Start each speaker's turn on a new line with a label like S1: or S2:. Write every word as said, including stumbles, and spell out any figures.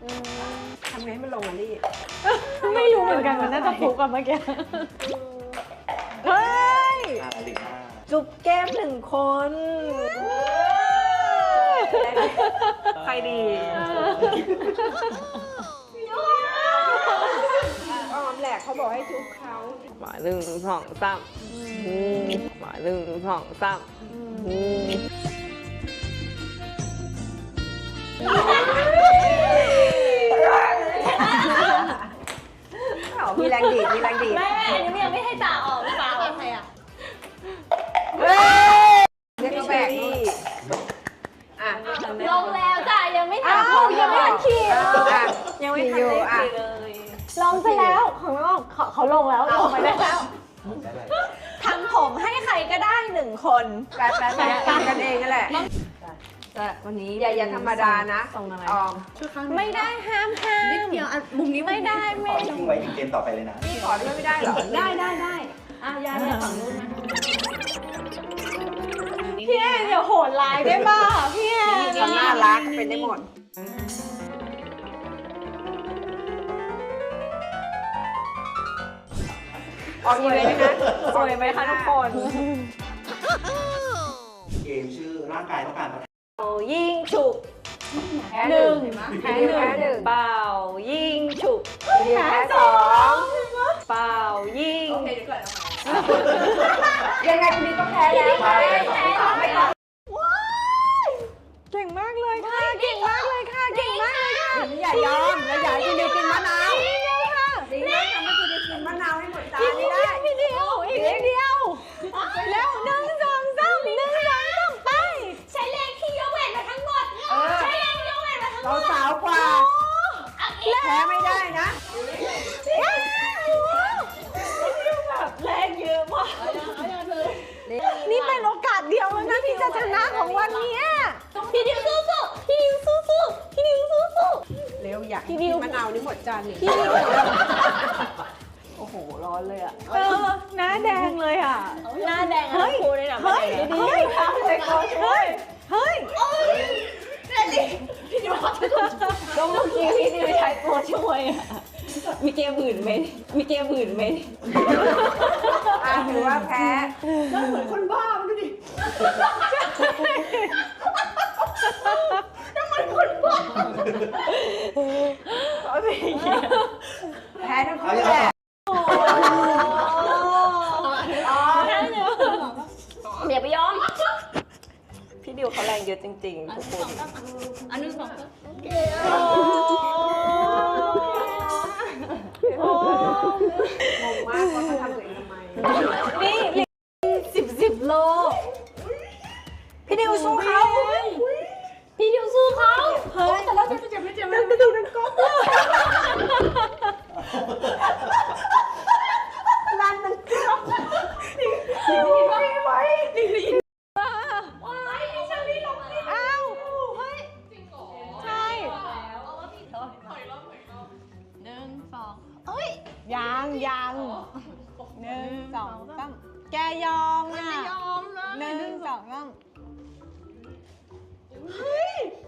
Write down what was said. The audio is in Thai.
S1: ทำไงให้มันลงอ่ะลี่
S2: ไม่รู้เหมือนกันมันน่าจะฟุกอะเมื่อกี้เฮ้ย
S1: จุ๊บแก้มหนึ่งคนใครดีอ้อมแหละเขาบอกให้จุ๊บเขาหมาหนึ่งสองสามหมาหนึ่งสองสามมีแรงดีดมีแรงดีด
S2: แม่อันนี้ยังไม่ให้ตาออกตาออกใครอ่ะ
S1: เรียกเขาแบกนี่อ่ะ
S2: ลงแล้วจ้ะยังไม่ทันยังไม่ทันขี่
S1: ยังไม่ทันเลย
S2: ลงไปแล้วเขาเขาเขาลงแล้วลงไปได้แล้วทำผมให้ใครก็ได้หนึ่งคน
S1: แปะแปะแปะกันเองนั่นแหละแต่วันนี้อย่าอย่าธรรมดานะส่งอะไร
S2: ไม่ได้ห้ามห้ามนิดเดียวมุมนี้ไม่ได้ไม่
S3: ทิ้งไว้ถึงเกมต่อไปเลยนะ
S1: พี่ขอด้วยไม่ได้หรอ
S2: ได้ได้ได้อ่ะยายฝั่งนู้นนะพี่แอนอย่าโหดร้ายได้ป่ะพี่แอน
S1: น่ารักเป็นได้หมดออกอีเวนต์นะสวยไหมคะทุกคน
S3: เกมชื่อร่างกายต้องการ
S1: ยิงฉุก
S2: หนึ่ง
S1: แพ้หนึ่งเปล่ายิงฉุกแพ้สองเปล่ายิงยังไงคุณนี่ต้องแพ้แล้วแพ้ไม่ต่อ
S2: เก่งมากเลยค่ะเก่งมากเลยค่ะเก่งมากเลยค่ะ
S1: อย่ายอมแล้วอย่าให้คุณดิวกินมะนาวดีเลยค่ะดีเลยทำให้คุณดิวกินมะนาวให้หมดจานนี้ได้
S2: พี่เดียวอีกนิดเดียวแล้วหนึ่งสองสามหนึ่งสองสามไปใช้แรงที่ยกเวทมาทั้งหมดใช้แรงยกเวทมาทั้งหมด
S1: เราสาวกว่าแพ้ไม่ได้นะ
S2: แรงเยอะมากนี่เป็นโอกาสเดียวแล้วนะที่จะชนะของวันนี้พี่ดิวสู้สู้พี่ดิวสู้สู้พี่ดิวสู้สู้
S1: เร็วอยากกินมะนาวนี่หมดจานนี่โอ้โหร้อนเลยอ่ะ
S2: เออหน้าแดงเลยอ่ะ
S1: หน้าแดงทั้งคู่เลยนะ
S2: เฮ้ยเฮ้ยเฮ้ยเฮ้ยเฮ้ย
S1: พี่ดิวก็เมื่อกี้พี่ดิวใช้ตัวช่วยอ่ะมีเกมอื่นไหมมีเกมอื่นไหมอ่ะถือว่าแพ้แล้วเหมือนคนบ้ามันดูดิน้ำมันคนบ้าแพ้ทั้งคู่แหละอย่าไปยอมพี่ดิวเขาแรงเยอะจริงๆทุกคน
S2: อันนึงสอง
S1: งงมากว่าเขาทำตัวเองทำไม
S2: นี่สิบสิบโล
S1: พี่ดิวสู้เขา
S2: พี่ดิวสู้เขา
S1: เฮ้ยแต่เราจะเจ็บไม่เจ็บนั่นกระดูกนั่นก๊อกร้านนั่นก๊อกนี่นี่ไว้ไว้นี่นี่
S2: ว้ายพี่ชาลีลงนี่อ้าวเฮ้ยจริงเหรอใช่หนึ่งสองเอ้ยยังยังหนึ่งสองสามแกยอมอ่ะ
S1: ยอมนะ
S2: หนึ่งสองสาม
S1: เฮ้ย